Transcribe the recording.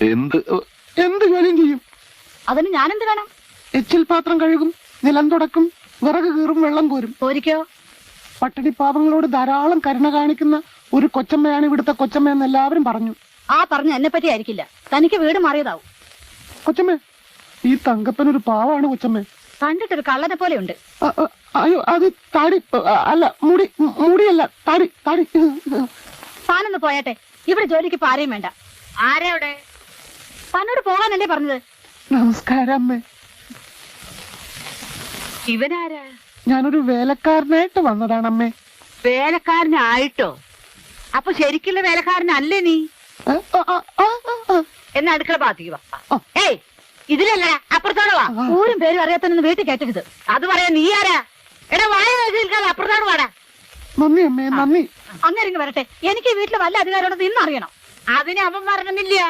എന്ത് എന്ത് ജോലിയും ചെയ്യും. അതിന് ഞാനെന്ത് വേണം? എച്ചിൽ പാത്രം കഴുകും, നിലം തുടക്കും, വിറക് കീറും, വെള്ളം കോരും. പോരിക്കോ? പട്ടിണി പാവങ്ങളോട് ധാരാളം കരുണ കാണിക്കുന്ന ഒരു കൊച്ചമ്മയാണ് ഇവിടുത്തെ കൊച്ചമ്മ എന്ന് എല്ലാവരും പറഞ്ഞു. ആ പറഞ്ഞ എന്നെ പറ്റി ആയിരിക്കില്ല, തനിക്ക് വീട് മാറിയതാവും. കൊച്ചമ്മേ, ഈ തങ്കപ്പൻ ഒരു പാവാണ് കൊച്ചമ്മേ. കണ്ടിട്ടൊരു കള്ളനെ പോലെ ഉണ്ട്. അയ്യോ, അത് താടി അല്ല, മുടിയല്ല, താടി താടി. താനൊന്ന് പോയാട്ടെ, ഇവിടെ ജോലിക്ക് പാരയും വേണ്ട. ആരാവിടെ? തന്നോട് പോകാനല്ലേ പറഞ്ഞത്? നമസ്കാരം അമ്മേ. ഇവനാരാ? ഞാനൊരു വേലക്കാരനായിട്ട് വന്നതാണ് അമ്മേ. വേലക്കാരനായിട്ടോ? അപ്പൊ ശരിക്കുള്ള വേലക്കാരനല്ലേ നീ? എന്നാ അടുക്കള ഭാഗത്തേക്ക് വാ. ഏയ്, ഇതിലല്ല, അപ്പുറത്തോട് വാ. ഊരും പേരും അറിയാത്തന്നെ വീട്ടിൽ കയറ്റരുത്. അത് പറയാ നീ ആരാ? എടാ, വായ നിൽക്കാതെ അപ്പുറത്തോട് വാടാ. നന്ദി അമ്മേ, നന്ദി. അന്നേരം വരട്ടെ. എനിക്ക് വീട്ടിൽ വല്ല അധികാരമുണ്ടെന്ന് ഇന്നറിയണം. അതിന് അവൻ പറഞ്ഞില്ല.